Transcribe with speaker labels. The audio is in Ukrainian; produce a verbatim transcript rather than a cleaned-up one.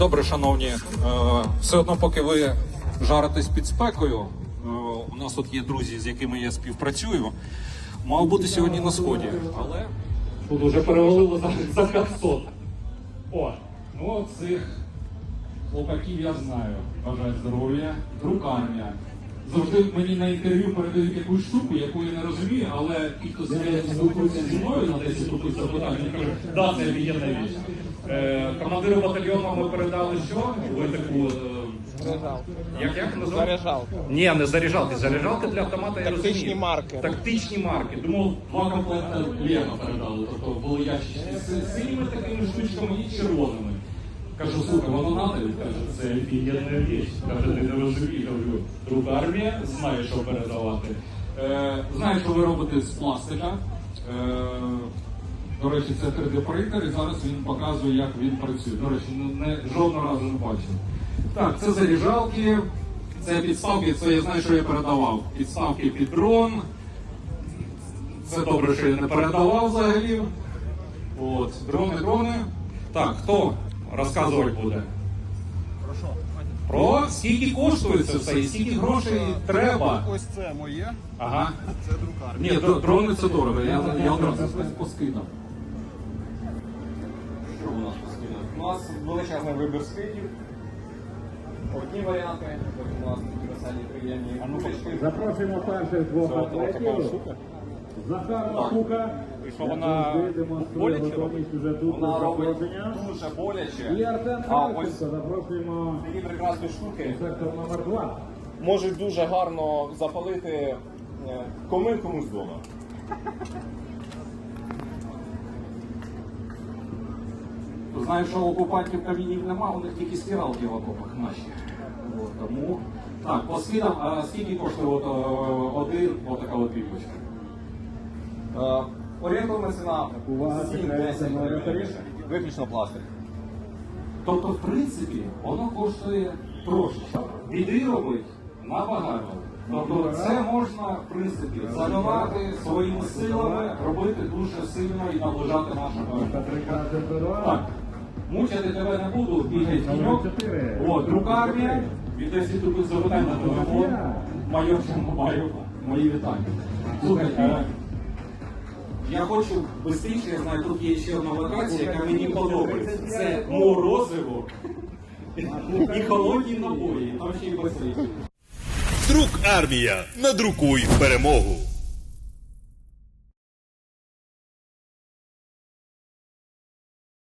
Speaker 1: Добре, шановні, е, все одно, поки ви жаритесь під спекою, е, у нас тут є друзі, з якими я співпрацюю, мав бути сьогодні на сході, але тут вже перевалило за, за п'ятсот. О, ну цих хлопаків я знаю. Бажаю здоров'я, друкання. Завжди мені на інтерв'ю передають якусь штуку, яку я не розумію, але ті, хто спілкується зі мною на десять років запитань, вони кажуть, да, це офігенна річ. Е, командиру батальйону ми передали що? Ви таку... Е, як, як називається?
Speaker 2: Заряджалка.
Speaker 1: Ні, не заряджалки. Заряджалки для автомата, я розумію.
Speaker 2: Тактичні марки.
Speaker 1: Тактичні марки. Думав, два комплекти Лего передали. Тобто були ящички з синіми такими штучками і червоними. Кажу, слухай, воно надо? Він каже, це офігенна річ. Каже, ти не розумієш. Кажу, друга армія знає, що передавати. Е, знаю, що ви робите з пластика. Е, До речі, це три де принтер, і зараз він показує, як він працює. До речі, не, жодного разу не бачив. Так, це заряджалки, це підставки, це я знаю, що я передавав. Підставки під дрон. Це добре, що я не передавав взагалі. От, дрони, дрони. Так, хто розказувати буде?
Speaker 2: Про що?
Speaker 1: Про скільки коштує це все і скільки грошей треба.
Speaker 2: Ось це моє,
Speaker 1: Ага.
Speaker 2: це друкарня.
Speaker 1: Ні, дро- дрони це дорого, я, я одразу поскидав.
Speaker 3: Що у нас постійно? У нас величезний вибір скидів. Одні варіанти, потім у нас такі веселі, приємні кулечки.
Speaker 4: Запрошуємо перших двох атлетів. Захар Макука.
Speaker 3: І що вона боляче робить?
Speaker 4: Уже тут
Speaker 3: Вона робить
Speaker 4: заходження.
Speaker 3: дуже
Speaker 4: І
Speaker 3: боляче.
Speaker 4: Артем
Speaker 3: А ось
Speaker 4: Кравченко. Запрошуємо
Speaker 3: такі прекрасні штуки
Speaker 4: сектор номер два.
Speaker 3: можуть дуже гарно запалити е, комин комусь вдома.
Speaker 1: Знаєш, що у окупантів камінів нема, у них тільки стиралки в окопах наші. От, тому... Так, по скидам, а скільки коштує от, о, один, отака от піпочка?
Speaker 3: Е, Орієнтовна ціна
Speaker 4: Увага,
Speaker 3: сім-десять
Speaker 4: секретна
Speaker 3: гривень.
Speaker 4: орієнтовна.
Speaker 3: Виключно пластик.
Speaker 1: Тобто, в принципі, воно коштує трошечки. Біди робить набагато. Тобто це можна, в принципі, заливати своїми силами, робити дуже сильно і наближати нашого.
Speaker 4: Прекрасний пирог.
Speaker 1: Так, мучити тебе не буду, бігай тіньок. От, друкарня, від десять років запитань на телефон. Майор маю мої вітання. Слухай, е, я хочу швидше, я знаю, тут є ще одна локація, яка мені подобається. Це морозиво і холодні напої, там ще й басейн.
Speaker 5: Друк армія. Надрукуй перемогу.